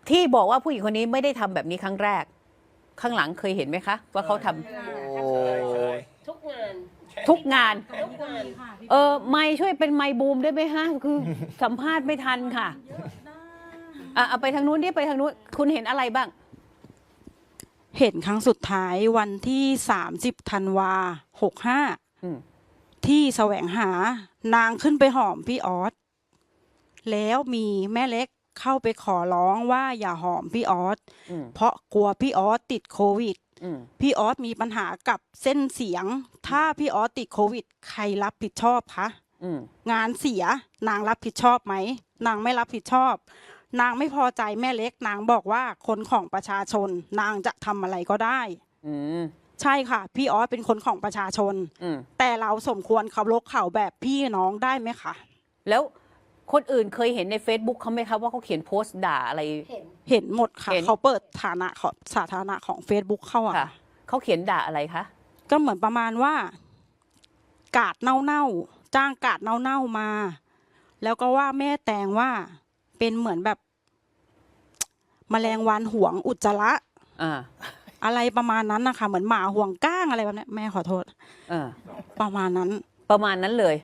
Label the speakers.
Speaker 1: ที่บอกว่าผู้หญิงคนนี้ไม่ได้ทำแบบนี้ครั้งแรกข้างหลังเคยเห็นไหมคะว่าเขาทำ
Speaker 2: โอ้
Speaker 3: ทุกงาน
Speaker 1: ทุกงาน
Speaker 3: ทุกงาน
Speaker 1: ไม่ช่วยเป็นไมค์บูมได้ไหมฮะคือสัมภาษณ์ไม่ทันค่ะเอาไปทางนู้นดิไปทางนู้นคุณเห็นอะไรบ้าง
Speaker 4: เห็นครั้งสุดท้ายวันที่30 ธันวา
Speaker 1: อืม
Speaker 4: 65ที่แสวงหานางขึ้นไปหอมพี่ออสแล้วมีแม่เล็กเข้าไปขอร้องว่าอย่าหอมพี่ออส
Speaker 1: อืม
Speaker 4: เพราะกลัวพี่ออสติดโควิด
Speaker 1: อืม
Speaker 4: พี่ออสมีปัญหากับเส้นเสียง ถ้าพี่ออสติดโควิดใครรับผิดชอบคะ
Speaker 1: อืม
Speaker 4: งานเสียนางรับผิดชอบไหมนางไม่รับผิดชอบ นางไม่พอใจแม่เล็กนางบอกว่าคนของประชาชน นางจะทำอะไรก็ได้
Speaker 1: อืม
Speaker 4: ใช่ค่ะ พี่ออสเป็นคนของประชาชน
Speaker 1: อืม
Speaker 4: แต่เราสมควรเคารพเขาแบบพี่น้องได้ไหมคะ
Speaker 1: แล้วคนอื่นเคยเห็นใน Facebook เขาไหมคะว่าเขาเขียนโพสต์ด่าอะไร
Speaker 3: เห็น
Speaker 4: เห็นหมดค่ะ
Speaker 1: เห็น
Speaker 4: เขาเปิดฐานะของสาธารณะของ Facebook เข้าอะ
Speaker 1: ค่ะเขาเขียนด่าอะไรคะ
Speaker 4: ก็เหมือนประมาณว่า กาดเน่าๆจ้างกาดเน่าๆมา แล้วก็ว่าแม่แตงว่าเป็นเหมือนแบบแมลงวันหวงอุจจาระ
Speaker 1: อ่า
Speaker 4: อะไรประมาณนั้นนะคะเหมือนหมาห่วงก้างอะไรแบบนี้แม่ขอโทษ
Speaker 1: อ่า
Speaker 4: ประมาณนั้น
Speaker 1: ประมาณนั้นเลย